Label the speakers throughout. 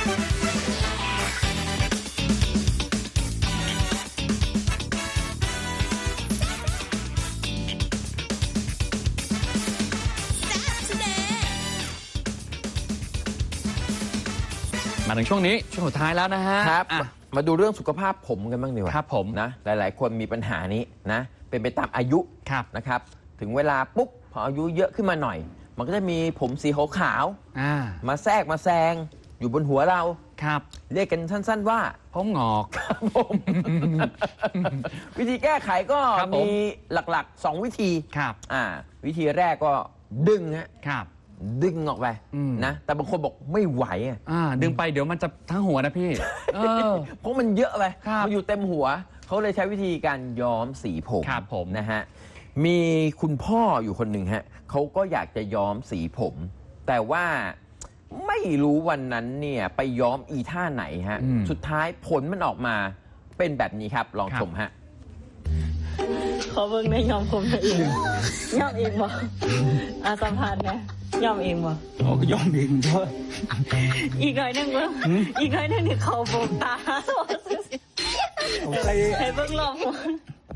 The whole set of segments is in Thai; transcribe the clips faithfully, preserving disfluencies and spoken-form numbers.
Speaker 1: มาถึงช่วงนี้ช่วงสุดท้ายแล้วนะฮะ
Speaker 2: ครับมาดูเรื่องสุขภาพผมกันบ้างดีกว่า
Speaker 1: ครับผม
Speaker 2: นะหลายๆคนมีปัญหานี้นะเป็นไปตามอายุนะครับถึงเวลาปุ๊บพออายุเยอะขึ้นมาหน่อยมันก็จะมีผมสีขาวๆมาแทรกมาแซงอยู่บนหัวเรา
Speaker 1: ครับ
Speaker 2: เรียกกันสั้นๆว่า
Speaker 1: ผมงอก
Speaker 2: ครับผมวิธีแก้ไขก็มีหลักๆสองวิธี
Speaker 1: ครับ
Speaker 2: อ่าวิธีแรกก็ดึงฮะ
Speaker 1: ครับ
Speaker 2: ดึงออกไปนะแต่บางคนบอกไม่ไหวอ่ะ
Speaker 1: ดึงไปเดี๋ยวมันจะทั้งหัวนะพี่เออ
Speaker 2: เพราะมันเยอะไปมันอยู่เต็มหัวเขาเลยใช้วิธีการย้อมสีผม
Speaker 1: ครับผม
Speaker 2: นะฮะมีคุณพ่ออยู่คนหนึ่งฮะเขาก็อยากจะย้อมสีผมแต่ว่าไม่รู้วันนั้นเนี่ยไปย้อมอีท่าไหนฮะสุดท้ายผลมันออกมาเป็นแบบนี้ครับลองชมฮะ
Speaker 3: ขอเบิ่งในย้อมผมเองย้อมเองบ่อาสัมผัสนะย้อมเองบ่
Speaker 4: โอ้ก็ย้อมเองด้วย
Speaker 3: อีกหน่อยนึงเบิ่งอีกหน่อยนึงนี่เขาโบกตา
Speaker 4: อะไร
Speaker 3: ให้เบิ่งรอบหัว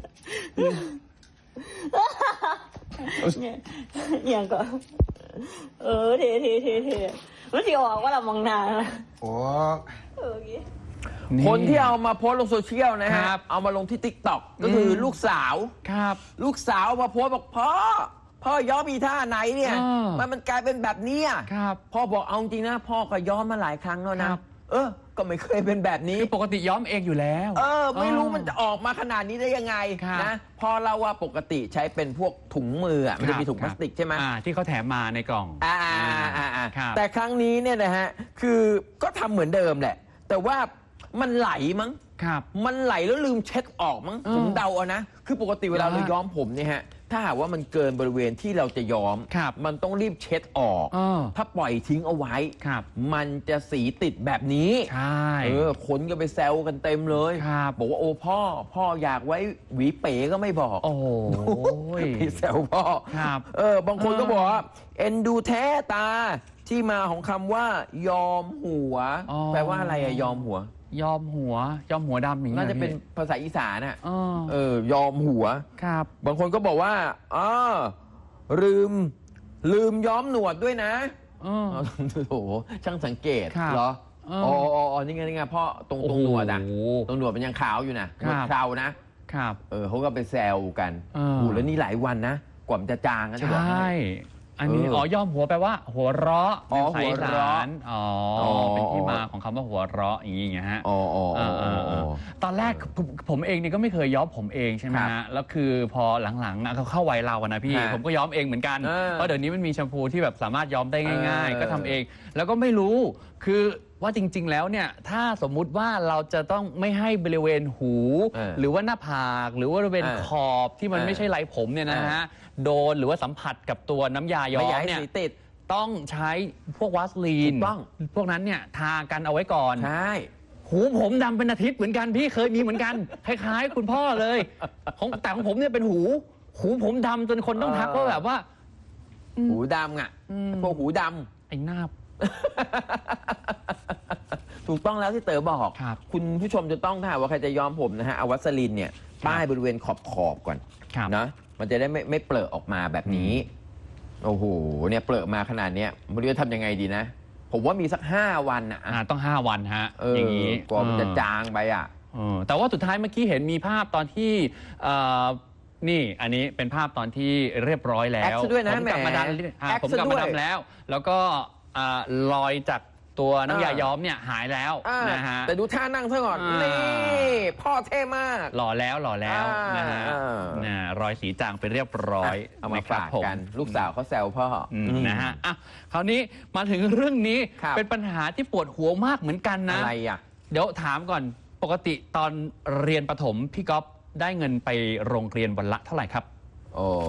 Speaker 3: อย่างก็เออเท่เท่เท่เท่มันสิออกว่าเรามองหน้า
Speaker 4: โอ้
Speaker 3: เออ
Speaker 2: คนที่เอามาโพสต์ลงโซเชียลนะฮะเอามาลงที่ ติ๊กต็อก ก็คือลูกสาว
Speaker 1: ครับ
Speaker 2: ลูกสาวมาโพสต์บอกพ่อพ่อย้อมอีท่าไหนเนี่ยมันมันกลายเป็นแบบนี้
Speaker 1: ครับ
Speaker 2: พ่อบอกเอาจริงนะพ่อก็ย้อมมาหลายครั้งแล้วนะเออก็ไม่เคยเป็นแบบนี้
Speaker 1: ปกติย้อมเองอยู่แล้ว
Speaker 2: เออไม่รู้มันจะออกมาขนาดนี้ได้ยังไงนะพอเราว่าปกติใช้เป็นพวกถุงมืออ่ะมันจะมีถุงพลาสติกใช่ไหม
Speaker 1: ที่เขาแถมมาในกล่อง
Speaker 2: อ่าอ่าอ่าแต่ครั้งนี้เนี่ยนะฮะคือก็ทำเหมือนเดิมแหละแต่ว่ามันไหลมั้งมันไหลแล้วลืมเช็ดออกมั้งผมเดาเอานะคือปกติเวลาเราย้อมผมเนี่ยฮะถ้าหากว่ามันเกินบริเวณที่เราจะย้อมมันต้องรีบเช็ดออกถ้าปล่อยทิ้งเอาไว้มันจะสีติดแบบนี้
Speaker 1: ใช่
Speaker 2: เออคนก็ไปแซวกันเต็มเลยบอกว่าโอ้พ่อพ่ออยากไว้หวีเป๋ก็ไม่บอก
Speaker 1: โอ้
Speaker 2: ยไปแซวพ่อเออบางคนก็บอกว่าเอ็นดูแท้ตาที่มาของคำว่ายอมหัวแปลว่าอะไรอะยอมหัวย
Speaker 1: อมหัวยอมหัวดำอย่างนี้
Speaker 2: น่าจะเป็นภาษาอีสานน่ะเออยอมหัว
Speaker 1: ครับ
Speaker 2: บางคนก็บอกว่าอ๋อลืมลืมย้อมหนวดด้วยนะ
Speaker 1: โอ้
Speaker 2: โหช่างสังเกตเหรออ๋ออ๋อนี่ไงนี่ไงพ่อตรงตรงหนวดอ่ะตรงหนวดมันยังขาวอยู่นะหนวดเครานะครับเออเขาก็ไปแซวกันโอ้แล้วนี่หลายวันนะกว่ามันจะจางนะ
Speaker 1: ใช่อันนี้อ๋อยอมหัวแปลว่าหัวเราะ
Speaker 2: อ๋อหัวเราะ
Speaker 1: อ๋อเป็นที่มาของคำว่าหัวเราะอย่างนี้ไงฮะ
Speaker 2: อ๋ออ๋อ
Speaker 1: ตอนแรกผมเองนี่ก็ไม่เคยย้อมผมเองใช่ไหมฮะแล้วคือพอหลังๆเขาเข้าวัยเราอะนะพี่ผมก็ย้อมเองเหมือนกันเพราะเดี๋ยวนี้มันมีแชมพูที่แบบสามารถย้อมได้ง่ายๆก็ทำเองแล้วก็ไม่รู้คือว่าจริงๆแล้วเนี่ยถ้าสมมุติว่าเราจะต้องไม่ให้บริเวณหูหรือว่าหน้าผากหรือว่าบริเวณขอบที่มันไม่ใช่ไรผมเนี่ยนะฮะโดนหรือว่าสัมผัสกับตัวน้ำยาย้อมเนี่ยต้องใช้พวกวาสลีนพวกนั้นเนี่ยทากันเอาไว้ก่อน
Speaker 2: ใช่
Speaker 1: หูผมดำเป็นอาทิตย์เหมือนกันพี่เคยมีเหมือนกันคล้ายๆคุณพ่อเลยของแต่ของผมเนี่ยเป็นหูหูผมดำจนคนต้องทักว่าแบบว่า
Speaker 2: หูดำอ่ะพวกหูด
Speaker 1: ำไอ้หน้า
Speaker 2: ถูกต้องแล้วที่เต๋อบอกคุณผู้ชมจะต้องถ้าว่าใครจะย้อมผมนะฮะเอาวัสลีนเนี่ยป้ายบริเวณขอบขอบก่อนนะมันจะได้ไม่ไม่เปลอะออกมาแบบนี้โอ้โหเนี่ยเปลอะมาขนาดนี้ไม่รู้จะทำยังไงดีนะผมว่ามีสักห้าวันอ่ะ
Speaker 1: ต้องห้าวันฮะอย่างนี้
Speaker 2: กว่ามันจะจางไปอ่ะ
Speaker 1: แต่ว่าสุดท้ายเมื่อกี้เห็นมีภาพตอนที่นี่อันนี้เป็นภาพตอนที่เรียบร้อยแล้ว
Speaker 2: ผม
Speaker 1: กลับมาดำผมกลับมาดำแล้วแล้วก็รอยจากตัวน้ำยาย้อมเนี่ยหายแล้วนะฮะ
Speaker 2: แต่ดูท่านั่งซะก่อนนี่พ่อเท่มาก
Speaker 1: หล่อแล้วหล่อแล้วนะฮะรอยสีจางไปเรียบร้อย
Speaker 2: เอามาฝากกันลูกสาวเขาแซวพ่อ
Speaker 1: นะฮะอ่ะคราวนี้มาถึงเรื่องนี้เป็นปัญหาที่ปวดหัวมากเหมือนกันนะ
Speaker 2: อะไรอ่ะ
Speaker 1: เดี๋ยวถามก่อนปกติตอนเรียนประถมพี่ก๊อฟได้เงินไปโรงเรียนวันละเท่าไหร่ครับ
Speaker 2: โอ้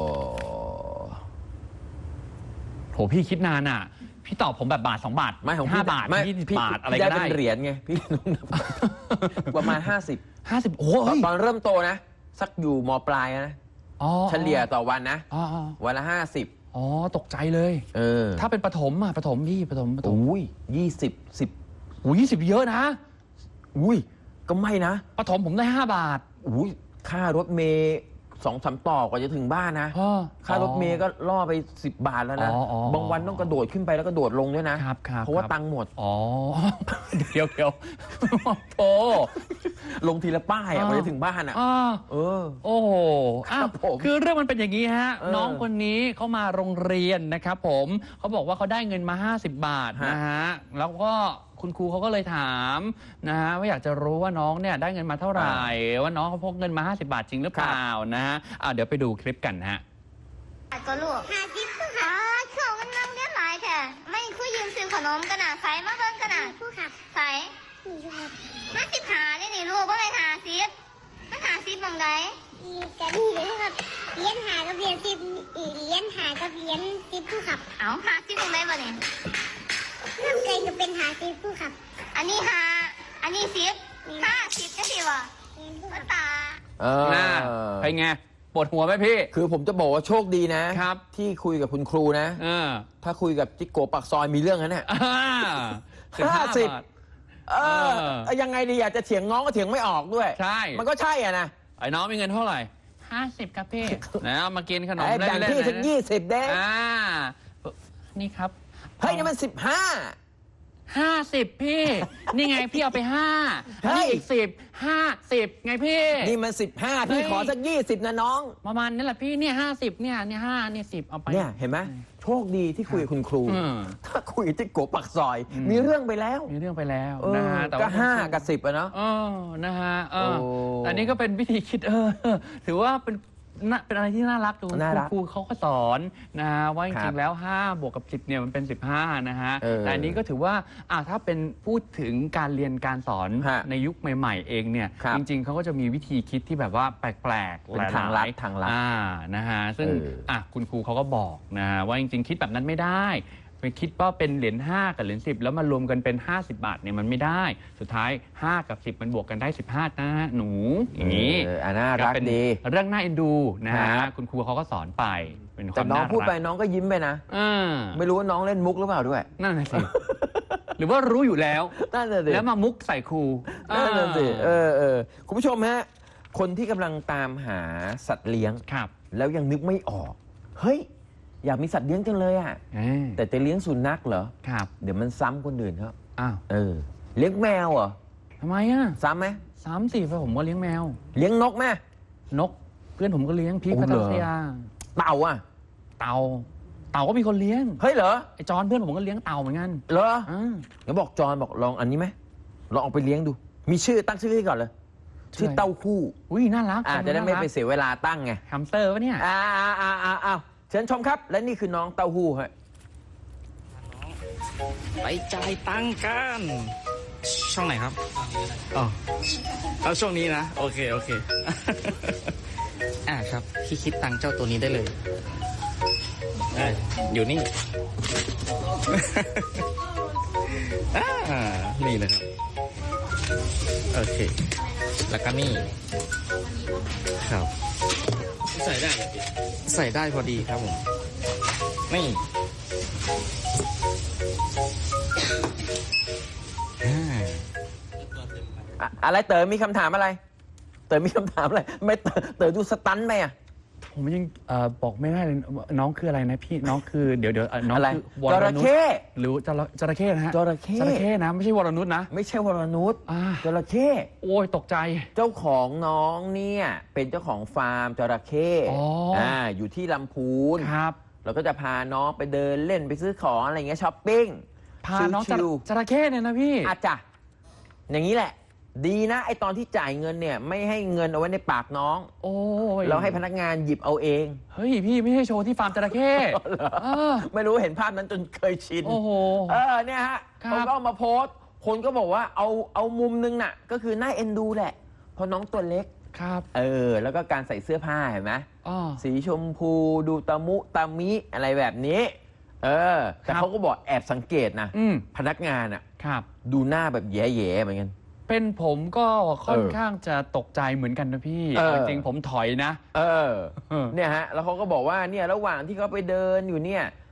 Speaker 1: โหพี่คิดนานอ่ะพี่ตอบผมแบบบาทสองบาท
Speaker 2: ไม่ของ
Speaker 1: ห้าบาทยี่สิบบาทอะไรก็ได้
Speaker 2: เป็นเหรียญไงพี่ประมาณห้าสิบ
Speaker 1: ห้าสิบโอ้
Speaker 2: ตอนเริ่มโตนะสักอยู่ม.ปลายนะเฉลี่ยต่อวันนะวันละห้าสิบ
Speaker 1: อ๋อตกใจเลยเออถ้าเป็นประถมอ่ะประถมพี่ประถมประถม
Speaker 2: อุ้ยยี่สิบสิบ
Speaker 1: อุ้ยยี่สิบเยอะนะ
Speaker 2: อุ้ยก็ไม่นะ
Speaker 1: ปฐมผมได้ห้าบาท
Speaker 2: อุ้ยค่ารถเมย์สองสามต่อกว่าจะถึงบ้านนะ
Speaker 1: อ๋อ
Speaker 2: ค่ารถเมย์ก็ล่อไปสิบบาทแล้วนะ
Speaker 1: อ๋ออ๋อ
Speaker 2: บางวันต้องกระโดดขึ้นไปแล้วก็โดดลงด้วยนะครับ
Speaker 1: ครับ
Speaker 2: เพราะว่า
Speaker 1: ครับ
Speaker 2: ตังค์หมด
Speaker 1: อ๋อ เดี๋ยวเดี๋ยวโอ้
Speaker 2: ลงทีละป้ายอะ
Speaker 1: อ๋อ
Speaker 2: กว่าจะถึงบ้านอ่ะ
Speaker 1: อ่า
Speaker 2: เออ
Speaker 1: โอ้โหอ้าว
Speaker 2: ครับผม
Speaker 1: คือเรื่องมันเป็นอย่างนี้ฮะ
Speaker 2: เออ
Speaker 1: น้องคนนี้เขามาโรงเรียนนะครับผมเขาบอกว่าเขาได้เงินมา ห้าสิบบาท
Speaker 2: ฮะ
Speaker 1: นะฮะ แล้วก็คุณครูเขาก็เลยถามนะฮะว่าอยากจะรู้ว่าน้องเนี่ยได้เงินมาเท่าไหร่ ว่าน้องเขาพกเงินมา ห้าสิบบาทจริงหรือเปล่านะฮะอ่าเดี๋ยวไปดูคลิปกันนะฮะ
Speaker 5: ก็ลูกหาจิ๊บค่ะช่วงมันนั่งเรียนหลายแท้ไม่คุยยืมซื้อขนมกันน่ะใส่มาเบิ่งกันน่ะผู้ขับใส่ห้าสิบหาเนี่ยนี่ลูกว่าไงหาสิบมันหาสิบมองได
Speaker 6: กะดีเลยครับเลี้ยนหากับเลี้ยนสิบเลี้ยนหากับเลี้ยนสิบผู้ขับ
Speaker 5: เอาหาสิบมองไดบ่เนี่ย
Speaker 6: น้ำไก่ก็เป็นหาสิบผู้ขับ
Speaker 5: อันนี้หาอันนี้สิบห้าสิบจะสิวะ
Speaker 6: เลี้ยนผู้
Speaker 5: ก็
Speaker 6: ขับ
Speaker 5: ตา
Speaker 2: เออ
Speaker 1: น่าไปนไงปวดหัวไหมพี่
Speaker 2: คือผมจะบอกว่าโชคดีนะ
Speaker 1: ครับ
Speaker 2: ที่คุยกับคุณครูนะ
Speaker 1: เออ
Speaker 2: ถ้าคุยกับจิกโกปักซอยมีเรื่องนั้นเนี่ย
Speaker 1: อ่า
Speaker 2: ห้าสิบ
Speaker 1: บาท
Speaker 2: เออ
Speaker 1: เออ
Speaker 2: ยังไงดีอยากจะเถียงน้องก็เถียงไม่ออกด้วย
Speaker 1: ใช่
Speaker 2: มันก็ใช่อ่ะนะ
Speaker 1: ไอ้น้องมีเงินเท่าไหร่ห้าสิบครับพี่ นะเอามากินขนม
Speaker 2: ไอ้
Speaker 1: เล่
Speaker 2: แบ่ง
Speaker 1: นๆ
Speaker 2: พี่สัก
Speaker 1: นะ
Speaker 2: ยี่สิบเด้
Speaker 1: อ่า นี่ครับ
Speaker 2: เฮ้ยนี่มันสิบห้า
Speaker 1: ห้าสิบพี่ นี่ไงพี่เอาไปห้า
Speaker 2: เฮ้ย
Speaker 1: นี่อีกสิบห้าสิบไงพี่
Speaker 2: นี่มันสิบห้าพี่
Speaker 1: เฮ้ย
Speaker 2: ขอสักยี่สิบนะน้อง
Speaker 1: ประมาณนี้แหละพี่เนี่ยห้าสิบเนี่ยเนี่ยห้าเนี่ยสิบเอาไป
Speaker 2: เนี่ยเห็นไหมโชคดีที่คุยกับคุณครู
Speaker 1: อืม
Speaker 2: ถ้าคุยกับจิกโกปักซอย
Speaker 1: อืม
Speaker 2: มีเรื่องไปแล้ว
Speaker 1: มีเรื่องไปแล้ว
Speaker 2: เออ
Speaker 1: นะฮะแต่
Speaker 2: ก็
Speaker 1: ว่า
Speaker 2: ห้ากับสิบอะเนาะ
Speaker 1: เออนะฮะเออ
Speaker 2: โอ้
Speaker 1: อันนี้ก็เป็นวิธีคิดเออ ถือว่าเป็นน่าเป็นอะไรที่น่ารักดู
Speaker 2: น่ารัก
Speaker 1: ครูเขาก็สอนนะฮะว่าจ
Speaker 2: ครั
Speaker 1: ริ
Speaker 2: บ
Speaker 1: งๆแล้วห้าบวกกับสิบเนี่ยมันเป็นสิบห้านะฮะ
Speaker 2: เออ
Speaker 1: แต่อันนี้ก็ถือว่าอ่ะถ้าเป็นพูดถึงการเรียนการสอน
Speaker 2: ฮะ
Speaker 1: ในยุคใหม่ ๆ เองเนี่ย
Speaker 2: ครับ
Speaker 1: จริง ๆเขาก็จะมีวิธีคิดที่แบบว่าแปลกๆ
Speaker 2: เป็น
Speaker 1: หลยๆ
Speaker 2: ทางลัดทางลัด
Speaker 1: อ่านะฮะซึ่ง
Speaker 2: เอออ่
Speaker 1: อ่ะคุณครูเขาก็บอกนะฮะว่าจริง ๆ คิดแบบนั้นไม่ได้ไปคิดว่าเป็นเหรียญห้ากับเหรียญสิบแล้วมารวมกันเป็นห้าสิบบาทเนี่ยมันไม่ได้ สุดท้ายห้ากับสิบมันบวกกันได้สิบห้านะหนูอย่างนี้
Speaker 2: เอออ่ะน่ารัก
Speaker 1: เป็น
Speaker 2: ดี
Speaker 1: เรื่องน่าเอ็นดูนะฮะ
Speaker 2: ครับ
Speaker 1: คุณครูเขาก็สอนไปเป็นค
Speaker 2: แต่
Speaker 1: วาม
Speaker 2: น้อง
Speaker 1: น่ารัก
Speaker 2: พูดไปน้องก็ยิ้มไปนะ
Speaker 1: อ่า
Speaker 2: ไม่รู้ว่าน้องเล่นมุกหรือเปล่าด้วย
Speaker 1: นั่นน่ะสิ หรือว่ารู้อยู่แล้ว
Speaker 2: นั่นน่ะสิ
Speaker 1: แล้วมามุกใส่ครู
Speaker 2: นั่นน่ะสิเอ
Speaker 1: อ่า
Speaker 2: อเออคุณผู้ชมฮะคนที่กำลังตามหาสัตว์เลี้ยง
Speaker 1: ครับ
Speaker 2: แล้วยังนึกไม่ออก เฮ้ย อยากมีสัตว์เลี้ยงจังเลยอ่ะ
Speaker 1: เอ้ย
Speaker 2: แต่จะเลี้ยงสุนัขเหรอ
Speaker 1: ครับ
Speaker 2: เดี๋ยวมันซ้ำคนอื่นครับ
Speaker 1: อ้าว
Speaker 2: เออ เลี้ยงแมวเหรอ
Speaker 1: ทำไมอ่ะ
Speaker 2: ซ้ำไหม
Speaker 1: สามสี่ไปผมก็เลี้ยงแมว
Speaker 2: เลี้ยงนกไหม
Speaker 1: นก เพื่อนผมก็เลี้ยงพีค
Speaker 2: โอ้
Speaker 1: พั
Speaker 2: เห
Speaker 1: ท
Speaker 2: รอ
Speaker 1: ยา
Speaker 2: เต่าอ่ะ
Speaker 1: เต่าเต่าก็มีคนเลี้ยง
Speaker 2: เฮ้ยเหรอ
Speaker 1: ไอ้จอนเพื่อนผมก็เลี้ยงเต่าเหมือนกัน
Speaker 2: เหรอ
Speaker 1: อ่า
Speaker 2: เดี๋ยวบอกจอนบอกลองอันนี้ไหมลองเอาไปเลี้ยงดู มีชื่อตั้งชื่อให้ก่อนเลย ชื่อเต้าคู่
Speaker 1: อุ้ยน่ารัก
Speaker 2: อ่าจะได้ไม่ไปเสียเวลาตั้งไง
Speaker 1: แฮมสเตอร์วะเนี่ย
Speaker 2: อ่าอ่าอ่าอ่าอ่าเชิญชมครับ และนี่คือน้องเต้าหู้ฮะ
Speaker 7: ไปจ่ายตังค์กัน ช่องไหนครับอ๋อเอาช่วงนี้นะ โอเค โอเค อ่าครับ พี่คิดตังค์เจ้าตัวนี้ได้เลยอ่าอยู่นี่ อ่านี่เลยครับ โอเค แล้วก็นี่ ครับ ใส่ได้ใส่ได้พอดีครับผม นี่
Speaker 2: อ่ะอะไรเต๋อมีคำถามอะไร เต๋อมีคำถามอะไร ไม่เต๋อเต๋อดูสตันไหมอ่ะ
Speaker 1: ผมยังเอ่อบอกไม่ได้เลยน้องคืออะไรนะพี่น้องคือเดี๋ยวเดี๋ยวเอ่อน้อง
Speaker 2: อะไร
Speaker 1: คือว
Speaker 2: จ
Speaker 1: ร
Speaker 2: ระ
Speaker 1: นุช
Speaker 2: เข้
Speaker 1: หรือจระจระเข้นะฮะ
Speaker 2: จระเข้
Speaker 1: จระเข้นะไม่ใช่วรนุชนะ
Speaker 2: ไม่ใช่วรนุช
Speaker 1: อ่า
Speaker 2: จระเข้
Speaker 1: โอ้ยตกใจ
Speaker 2: เจ้าของน้องเนี่ยเป็นเจ้าของฟาร์มจระเข้
Speaker 1: อ๋ออ่
Speaker 2: อ่าอยู่ที่ลำพูน
Speaker 1: ครับ
Speaker 2: เราก็จะพาน้องไปเดินเล่นไปซื้อของอะไรเงี้ยช้อปปิ้ง
Speaker 1: พาน้องจ
Speaker 2: ชิ
Speaker 1: ระ
Speaker 2: ว
Speaker 1: จระเข้เนี่ยนะพี่
Speaker 2: ๆอาจจะอย่างนี้แหละ ดีนะไอตอนที่จ่ายเงินเนี่ยไม่ให้เงินเอาไว้ในปากน้อง
Speaker 1: โอ้ย
Speaker 2: เราให้พนักงานหยิบเอาเอง
Speaker 1: เฮ้ยพี่ไม่ใช่โชว์ที่ฟาร์มจระเข้เออ
Speaker 2: ไม่รู้เห็นภาพนั้นจนเคยชิน
Speaker 1: โอ้โห
Speaker 2: เออเนี่ยฮะ
Speaker 1: ครับ
Speaker 2: เขาก็เอามาโพสต์ คนก็บอกว่าเอาเอามุมนึงน่ะ ก็คือน่าเอ็นดูแหละเพราะน้องตัวเล็ก
Speaker 1: ครับ
Speaker 2: เออ แล้วก็การใส่เสื้อผ้าเห็นไหม
Speaker 1: อ๋อ
Speaker 2: สีชมพูดูตะมุตะมิอะไรแบบนี้ เออ แต่
Speaker 1: ครับ
Speaker 2: เขาก็บอกแอบสังเกตนะ
Speaker 1: อืม
Speaker 2: พนักงานอ่ะ
Speaker 1: ครับ
Speaker 2: ดูหน้าแบบแย่ๆเหมือนกัน
Speaker 1: เป็นผมก็ค่อน
Speaker 2: เออ
Speaker 1: ข้างจะตกใจเหมือนกันนะพี่
Speaker 2: เออ
Speaker 1: เอาจริงๆผมถอยนะ
Speaker 2: เออ
Speaker 1: เออ
Speaker 2: เนี่ยฮะ แล้วเขาก็บอกว่าเนี่ยระหว่างที่เขาไปเดินอยู่เนี่ย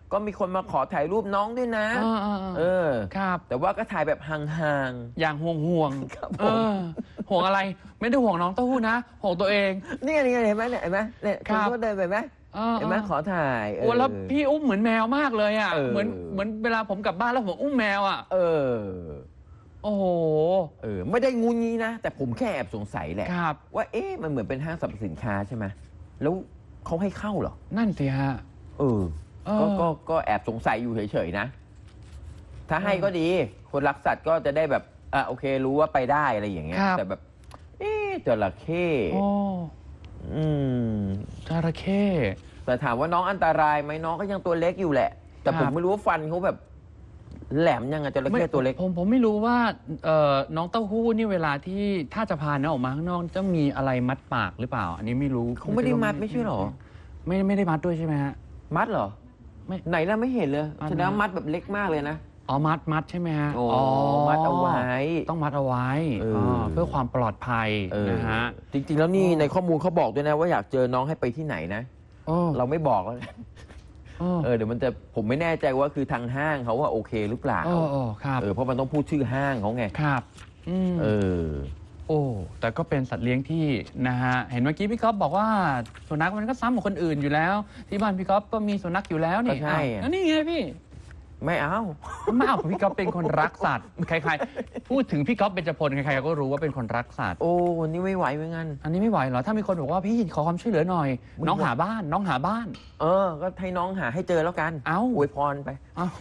Speaker 2: ก็มีคนมาขอถ่ายรูปน้องด้วยนะ
Speaker 1: อ่าๆๆ
Speaker 2: เออ
Speaker 1: ครับ
Speaker 2: แต่ว่าก็ถ่ายแบบห่าง
Speaker 1: อย่างห่วงห่วงๆ
Speaker 2: ครับผม
Speaker 1: เออห่วงอะไรไม่ได้ห่วงน้องเต้าหู้นะห่วงตัวเอง
Speaker 2: ๆนี่ไงนี่ไงเห็นไหมเนี่ยเห็นไหมเนี่ย
Speaker 1: ครั
Speaker 2: คุณ
Speaker 1: บ
Speaker 2: ก็เดินไปไหม
Speaker 1: ออ
Speaker 2: เห็นไหมขอถ่าย
Speaker 1: โอ้แล้วพี่อุ้มเหมือนแมวมากเลยอ่ะ
Speaker 2: เออ
Speaker 1: เหมือนเหมือนเวลาผมกลับบ้านแล้วผมอุ้มแมวอ่ะ
Speaker 2: เออ
Speaker 1: โอ้โห
Speaker 2: เออไม่ได้งูงี้นะ แต่ผมแค่แอบสงสัยแหละ
Speaker 1: ครับ
Speaker 2: ว่าเอ๊ะมันเหมือนเป็นห้างสรรพสินค้าใช่ไหมแล้วเขาให้เข้าเหรอ
Speaker 1: นั่นสิฮะ
Speaker 2: เออ
Speaker 1: เออ
Speaker 2: ก็ก็ก็แอบสงสัยอยู่เฉยๆนะ ถ้าให้
Speaker 1: เออ
Speaker 2: ก็ดี คนรักสัตว์ก็จะได้แบบอ่ะโอเครู้ว่าไปได้อะไรอย่างเงี้ย
Speaker 1: ครับ
Speaker 2: แต่แบบ เอ๊ะจระเข้
Speaker 1: โอ้
Speaker 2: อืม
Speaker 1: จระเข้
Speaker 2: แต่ถามว่าน้องอันตรายไหมน้องก็ยังตัวเล็กอยู่แหละ แต่
Speaker 1: ครับ
Speaker 2: ผมไม่รู้ว่าฟันเขาแบบ แหลมยังไงจระเข้ตัวเล็ก
Speaker 1: ผมผมไม่รู้ว่าเอ่อน้องเต้าหู้นี่เวลาที่ถ้าจะพาน้องออกมาข้างนอกจะมีอะไรมัดปากหรือเปล่า อันนี้ไม่รู้
Speaker 2: เขาไม่ได้มัดไม่ใช่หรอ
Speaker 1: ไม่ไม่ได้มัดด้วยใช่ไหมฮะ
Speaker 2: มัดเหรอ
Speaker 1: ไม่
Speaker 2: ไหนล่ะไม่เห็นเลย
Speaker 1: มัด
Speaker 2: แสดงว่ามัดแบบเล็กมากเลยนะ
Speaker 1: อ๋อมัดมัดใช่ไหมฮะ
Speaker 2: โอ้มัดเอาไว้
Speaker 1: ต้องมัดเอาไว้
Speaker 2: เอออ๋
Speaker 1: อเพื่อความปลอดภัย
Speaker 2: เออ
Speaker 1: นะฮะ
Speaker 2: จริงๆแล้วนี่
Speaker 1: อ๋อ
Speaker 2: ในข้อมูลเขาบอกด้วยนะว่าอยากเจอน้องให้ไปที่ไหนนะ
Speaker 1: โอ้
Speaker 2: เราไม่บอกแล้ว
Speaker 1: โอ้
Speaker 2: เออเดี๋ยวมันจะผมไม่แน่ใจว่าคือทางห้างเขาว่าโอเคหรือเปล่า
Speaker 1: โอ้โอ้ครับ
Speaker 2: เออเพราะมันต้องพูดชื่อห้างเขาไง
Speaker 1: ครับอืม
Speaker 2: เออ
Speaker 1: โอ้แต่ก็เป็นสัตว์เลี้ยงที่นะฮะเห็นเมื่อกี้พี่ก๊อฟบอกว่าสุนัขมันก็ซ้ำกับคนอื่นอยู่แล้ว ที่บ้านพี่ก๊อฟก็มีสุนัขอยู่แล้วนี่
Speaker 2: ก็ใช่
Speaker 1: อ้าวแล้วนี่ไงพี่
Speaker 2: ไม่เอา
Speaker 1: ไม่เอาพี่ก๊อฟเป็นคนรักสัตว์ใครๆพูดถึงพี่ก๊อฟเบญจพลใครๆก็รู้ว่าเป็นคนรักสัตว์
Speaker 2: โอ้วันนี้ไม่ไหวเหมือนกัน
Speaker 1: อันนี้ไม่ไหวเหรอถ้ามีคนบอกว่าพี่ขอความช่วยเหลือหน่อย
Speaker 2: มึง
Speaker 1: น้องหาบ้านน้องหาบ้าน
Speaker 2: เออ ก็ให้น้องหาให้เจอแล้วกัน
Speaker 1: เอ้า
Speaker 2: อวยพรไป
Speaker 1: เอ้าก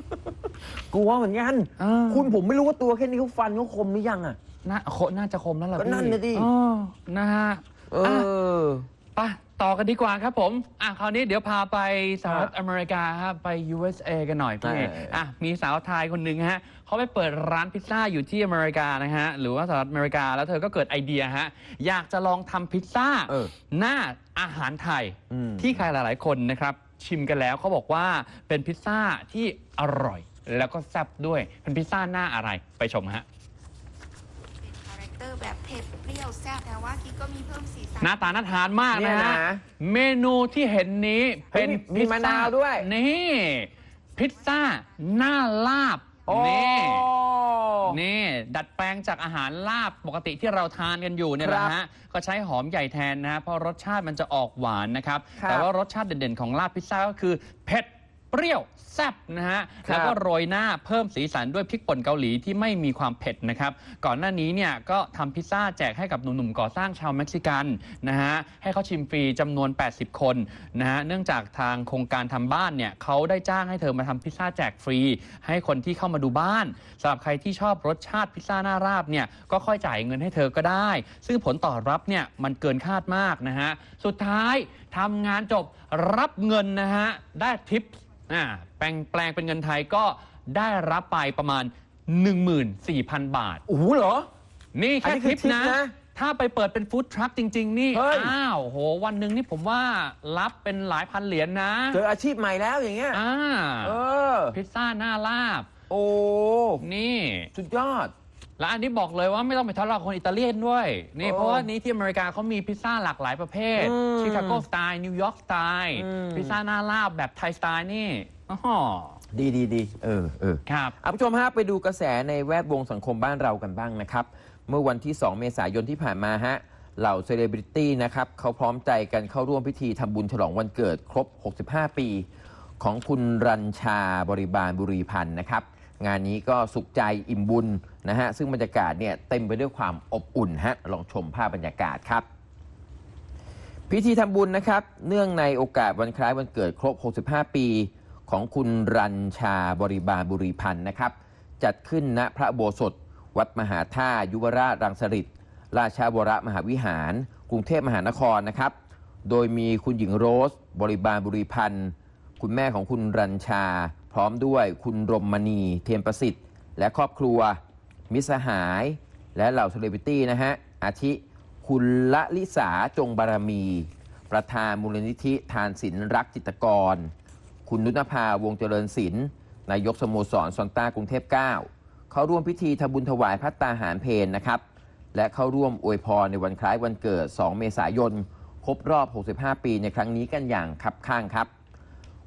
Speaker 2: ลัวเหมือนกัน
Speaker 1: เออ
Speaker 2: คุณผมไม่รู้ว่าตัวแค่นี้เขาฟันเขาคมหรือยังอ่ะ
Speaker 1: น่าโคน่าจะคมแล้วล่ะ
Speaker 2: ก็
Speaker 1: พี่
Speaker 2: นั่นน่ะดิ
Speaker 1: เออนะฮะ
Speaker 2: เออ
Speaker 1: ไปต่อกันดีกว่าครับผมอ่ะคราวนี้เดี๋ยวพาไปสหรัฐ
Speaker 2: ครับ
Speaker 1: อเมริกาครับไป ยู เอส เอ กันหน่อยพี่
Speaker 2: เอออ่
Speaker 1: อ่ะมีสาวไทยคนหนึ่งฮะเขาไปเปิดร้านพิซซ่าอยู่ที่อเมริกานะฮะหรือว่าสหรัฐอเมริกาแล้วเธอก็เกิดไอเดียฮะอยากจะลองทำพิซซ่า
Speaker 2: เออ
Speaker 1: หน้าอาหารไทย
Speaker 2: อืม
Speaker 1: ที่ใครหลาย ๆ คนนะครับชิมกันแล้วเขาบอกว่าเป็นพิซซ่าที่อร่อย แล้วก็แซ่บด้วยเป็นพิซซ่าหน้าอะไรไปชมฮะ
Speaker 8: คาแรคเตอร์แบบเผ็ดเปรี้ยวแซ่บแต่ว่ากิ๊กก็มีเพิ่มสีสัน
Speaker 1: หน้าตาน่าทานมาก
Speaker 2: เนี่
Speaker 1: นะ
Speaker 2: ย
Speaker 1: ฮะ
Speaker 2: นะ
Speaker 1: เมนูที่เห็นนี้
Speaker 2: เฮ้
Speaker 1: เป็
Speaker 2: ย
Speaker 1: น
Speaker 2: มี
Speaker 1: พิซ
Speaker 2: มะ
Speaker 1: ซ่
Speaker 2: นาวด้วย
Speaker 1: นี่พิซซ่าหน้าลาบ
Speaker 2: โอ้
Speaker 1: นี่นี่ดัดแปลงจากอาหารลาบปกติที่เราทานกันอยู่เนี่ย
Speaker 2: ครั
Speaker 1: นะ
Speaker 2: บ
Speaker 1: ฮะก็ใช้หอมใหญ่แทนนะฮะเพราะรสชาติมันจะออกหวานนะครับ
Speaker 2: ครับ
Speaker 1: แต่ว่ารสชาติเด่นๆของลาบพิซซ่าก็คือเผ็ดเปรี้ยวแซ่บนะฮะ
Speaker 2: ครับ
Speaker 1: แล้วก็โรยหน้าเพิ่มสีสันด้วยพริกป่นเกาหลีที่ไม่มีความเผ็ดนะครับก่อนหน้านี้เนี่ยก็ทำพิซซ่าแจกให้กับหนุ่มๆก่อสร้างชาวเม็กซิกันนะฮะให้เขาชิมฟรีจำนวน แปดสิบ คนนะฮะเนื่องจากทางโครงการทำบ้านเนี่ยเขาได้จ้างให้เธอมาทำพิซซ่าแจกฟรี ให้คนที่เข้ามาดูบ้านสำหรับใครที่ชอบรสชาติพิซซ่าหน้าราบเนี่ยก็ค่อยจ่ายเงินให้เธอก็ได้ ซึ่งผลตอบรับเนี่ยมันเกินคาดมากนะฮะสุดท้ายทำงานจบรับเงินนะฮะได้ทิปอ่าแปลงแปลงเป็นเงินไทยก็ได้รับไปประมาณ หนึ่งหมื่นสี่พัน บาท
Speaker 2: โอ้โหเหรอ
Speaker 1: นี่
Speaker 2: อัน
Speaker 1: แค่
Speaker 2: นี้คือ
Speaker 1: ทิป
Speaker 2: ทิป
Speaker 1: นะ
Speaker 2: นะ
Speaker 1: ถ้าไปเปิดเป็นฟู้ดทรัคจริง ๆ นี่
Speaker 2: เฮ้ย
Speaker 1: อ้าวโหวันหนึ่งนี่ผมว่ารับเป็นหลายพันเหรียญนะ
Speaker 2: เจออาชีพใหม่แล้วอย่างเงี้ย
Speaker 1: อ่า
Speaker 2: เออ
Speaker 1: พิซซ่าหน้าลาบ
Speaker 2: โอ้
Speaker 1: นี่
Speaker 2: สุดยอด
Speaker 1: แล้วอันนี้บอกเลยว่าไม่ต้องไปทะเลาะกับคนอิตาเลียนด้วย นี่
Speaker 2: โอ้
Speaker 1: เพราะว่านี้ที่อเมริกาเขามีพิซซ่าหลากหลายประเภท
Speaker 2: อืม
Speaker 1: ชิคาโกสไตล์นิวยอร์กสไตล์
Speaker 2: อืม
Speaker 1: พิซซ่าหน้าลาบแบบไทยสไตล์นี่อ๋อ
Speaker 2: ดีดีดีเออเออ
Speaker 1: ครับ
Speaker 2: คุณผู้ชมฮะไปดูกระแสในแวดวงสังคมบ้านเรากันบ้างนะครับ เมื่อวันที่ สอง เมษายนที่ผ่านมาฮะเหล่าเซเลบริตี้นะครับเขาพร้อมใจกันเข้าร่วมพิธีทำบุญฉลองวันเกิดครบ หกสิบห้า ปี ของคุณรัญชาบริบาลบุรีพันธ์นะครับ งานนี้ก็สุขใจอิ่มบุญนะฮะซึ่งบรรยากาศเนี่ยเต็มไปด้วยความอบอุ่นฮะลองชมภาพบรรยากาศครับ พิธีทำบุญนะครับเนื่องในโอกาสวันคล้ายวันเกิดครบ หกสิบห้า ปี ของคุณรัญชาบริบาลบุรีพันธ์นะครับจัดขึ้นณพระอุโบสถวัดมหาธาตุยุวราชรังสฤษฎ์ราชาวรมหาวิหาร กรุงเทพมหานครนะครับโดยมีคุณหญิงโรส บริบาลบุรีพันธ์คุณแม่ของคุณรัญชา พร้อมด้วยคุณรมณีเทียนประสิทธิ์และครอบครัวมิตรสหาย และเหล่าเซเลบริตี้นะฮะอาทิคุณละลิสาจงบารมี ประธานมูลนิธิทานศิลป์รักจิตรกร คุณนุชนภาวงศ์เจริญศิลป์นายกสโมสรซอนต้ากรุงเทพเก้าเข้าร่วมพิธีทำบุญถวายพระตาหารเพลนะครับและเข้าร่วมอวยพรในวันคล้ายวันเกิด สอง เมษายน ครบรอบ หกสิบห้า ปีในครั้งนี้กันอย่างคับข้างครับ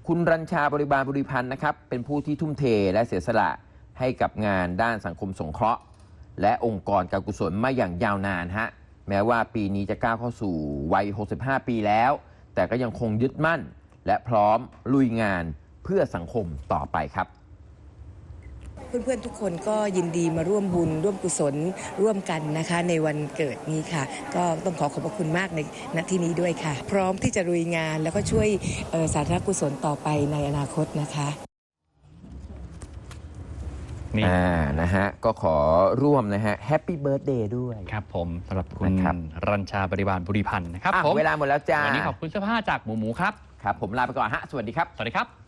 Speaker 2: คุณรัญชาบริบาลบริพันธ์นะครับเป็นผู้ที่ทุ่มเทและเสียสละให้กับงานด้านสังคมสงเคราะห์และองค์กรการกุศลมาอย่างยาวนานฮะแม้ว่าปีนี้จะก้าวเข้าสู่วัยหกสิบห้าปีแล้วแต่ก็ยังคงยึดมั่นและพร้อมลุยงานเพื่อสังคมต่อไปครับ
Speaker 9: เพื่อนๆทุกคนก็ยินดีมาร่วมบุญร่วมกุศลร่วมกันนะคะในวันเกิดนี้ค่ะก็ต้องขอขอบพระคุณมากในณที่นี้ด้วยค่ะพร้อมที่จะลุยงานแล้วก็ช่วยสาธารณกุศลต่อไปในอนาคตนะคะ
Speaker 2: นี่อ่านะฮะก็ขอร่วมนะฮะแฮปปี้เบิร์ธเดย์ด้วย
Speaker 1: ครับผมสำหรับคุณรัญชาบริบาลบุริพันธ์นะครับผม
Speaker 2: เวลาหมดแล้วจ้า
Speaker 1: วันนี้ขอบคุณเสื้อผ้าจากหมูหมูครับ
Speaker 2: ครับผมลาไปก่อนฮะสวัสดีครับ
Speaker 1: สวัสดีครับ